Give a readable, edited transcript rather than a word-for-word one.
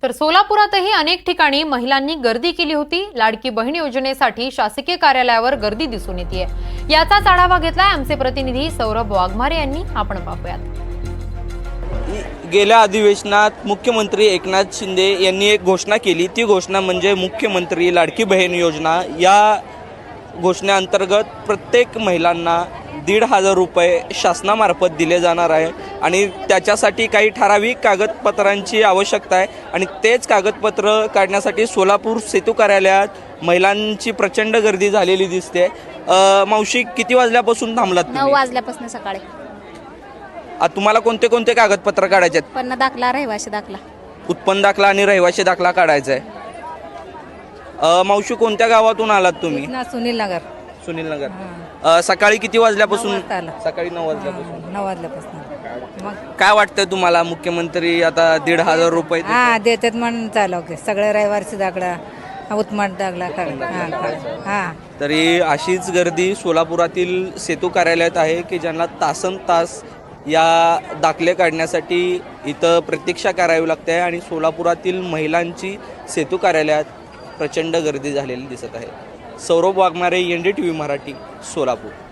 तर सोलापुरातही अनेक ठिकाणी महिलांनी गर्दी केली होती। लाडकी बहीण योजनेसाठी शासकीय कार्यालयावर गर्दी दिसून येते। याचाच आढावा घेतलाय आमचे प्रतिनिधी सौरभ वाघमारे यांनी। आपण पाहूयात। गेल्या अधिवेशनात मुख्यमंत्री एकनाथ शिंदे यांनी एक घोषणा केली। ती घोषणा म्हणजे मुख्यमंत्री लाडकी बहीण योजना। या घोषणेअंतर्गत प्रत्येक महिलांना 1,500 रुपये शासनामार्फत दिले जाणार आहे आणि त्याच्यासाठी काही ठराविक कागदपत्रांची आवश्यकता आहे आणि तेच कागदपत्र काढण्यासाठी सोलापूर सेतू कार्यालयात महिलांची प्रचंड गर्दी झालेली दिसते। मावशी, किती वाजल्यापासून थांबलात तुम्ही? 9 वाजल्यापासून सकाळी। तुम्हाला कोणते कोणते कागदपत्र काढायचे आहेत? उत्पन्न दाखला, रहिवासी दाखला। उत्पन्न दाखला आणि रहिवासी दाखला काढायचा आहे। मावशी, कोणत्या गावातून आलात तुम्ही? सुनील नगर। सुनील नगर। सकाळी किती वाजल्यापासून? 9 वाजता आला। सकाळी 9 वाजल्यापासून। 9 वाजल्यापासून मग काय वाटतंय तुम्हाला? मुख्यमंत्री आता 1,500 रुपये देतात म्हणून चालव की सगळे रहिवासी दाखला, उत्पन्न दाखला तरी अशीच गर्दी सोलापुरातील सेतू कार्यालयात आहे की ज्यांना तासन तास या दाखले काढण्यासाठी इथं प्रतीक्षा करावी लागते आणि सोलापुरातील महिलांची सेतू कार्यालयात प्रचंड गर्दी झालेली दिसत आहे। सौरभ वाघमारे, NDTV मराठी, सोलापूर।